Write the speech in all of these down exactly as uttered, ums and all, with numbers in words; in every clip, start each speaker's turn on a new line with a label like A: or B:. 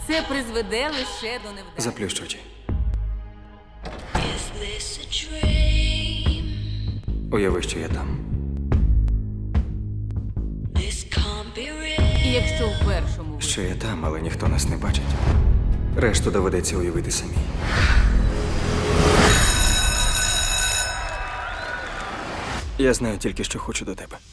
A: Це призведе лише до невдачі.
B: Заплющ очі.
C: Is this a dream?
B: Уяви, що я там.
C: This can't be real.
A: І якщо в першому ви-
B: Що я там, але ніхто нас не бачить. Решту доведеться уявити самі. Я знаю тільки, що хочу до тебе.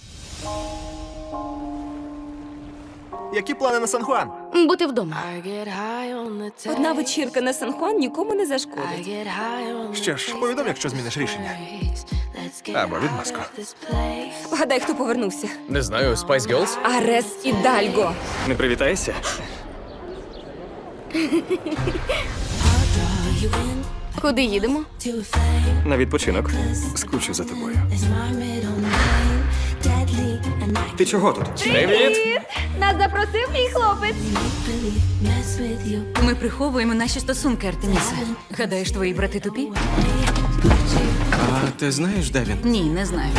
D: Які плани на Сан-Хуан?
E: Бути вдома.
C: I get high on the tide.
E: Одна вечірка на Сан-Хуан нікому не зашкодить.
C: I get high on
D: Що ж, повідом, якщо зміниш рішення. Або відмазку.
E: Гадай, хто повернувся.
F: Не знаю, Spice Girls?
E: Арес і Дальго.
B: Не привітаєшся?
E: Куди їдемо?
B: На відпочинок. Скучу за тобою. Ти чого тут?
F: Привіт!
E: Нас запросив мій хлопець.
A: Ми приховуємо наші стосунки, Артемісе. Гадаєш, твої брати тупі?
D: А ти знаєш, де він?
A: Ні, не знаю.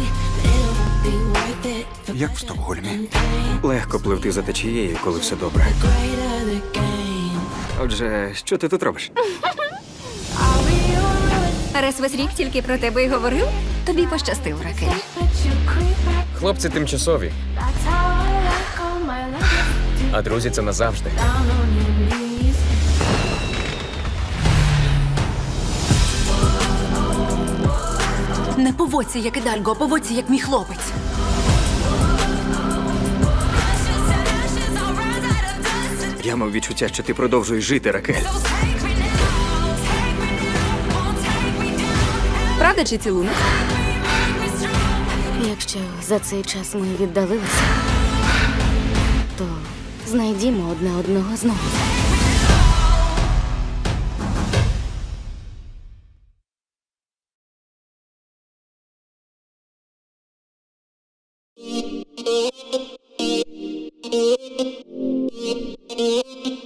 D: Як в Стокгольмі.
B: Легко пливти за течією, коли все добре. Отже, що ти тут робиш?
E: Арес весь рік тільки про тебе й говорив. Тобі пощастив, Ракель.
F: Хлопці тимчасові, а друзі це назавжди.
A: Не поводься, як і Дальго, а поводься, як мій хлопець.
B: Я мав відчуття, що ти продовжуєш жити, Ракель.
E: Правда чи цілунок?
G: Якщо за цей час ми віддалилися, то знайдімо одне одного знову.
C: Thank you.